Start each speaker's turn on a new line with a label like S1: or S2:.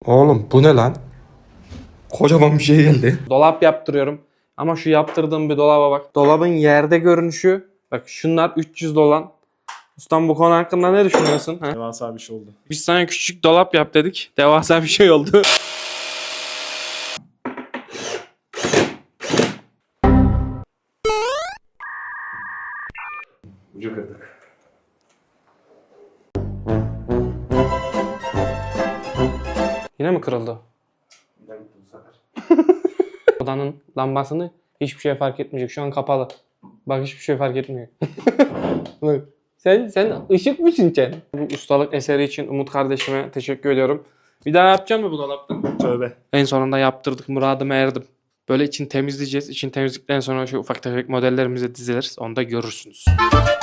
S1: Oğlum bu ne lan? Kocaman bir şey geldi.
S2: Dolap yaptırıyorum. Ama şu yaptırdığım bir dolaba bak. Dolabın yerde görünüşü. Bak şunlar 300 dolan. Ustam bu konu hakkında ne düşünüyorsun? Ha?
S3: Devasa bir şey oldu.
S2: Biz sana küçük dolap yap dedik. Devasa bir şey oldu.
S1: Ucu kırdık.
S2: Yine mi kırıldı? Odanın lambasını hiçbir şey fark etmeyecek. Şu an kapalı. Bak hiçbir şey fark etmiyor. Bak. Sen ışık mısın sen? Bu ustalık eseri için Umut kardeşime teşekkür ediyorum. Bir daha yapacak mı bu dolaptan?
S3: Tövbe.
S2: En sonunda yaptırdık. Muradıma erdim. Böyle için temizleyeceğiz. İçin temizledikten sonra şu ufak tefek modellerimize diziliriz. Onu da görürsünüz.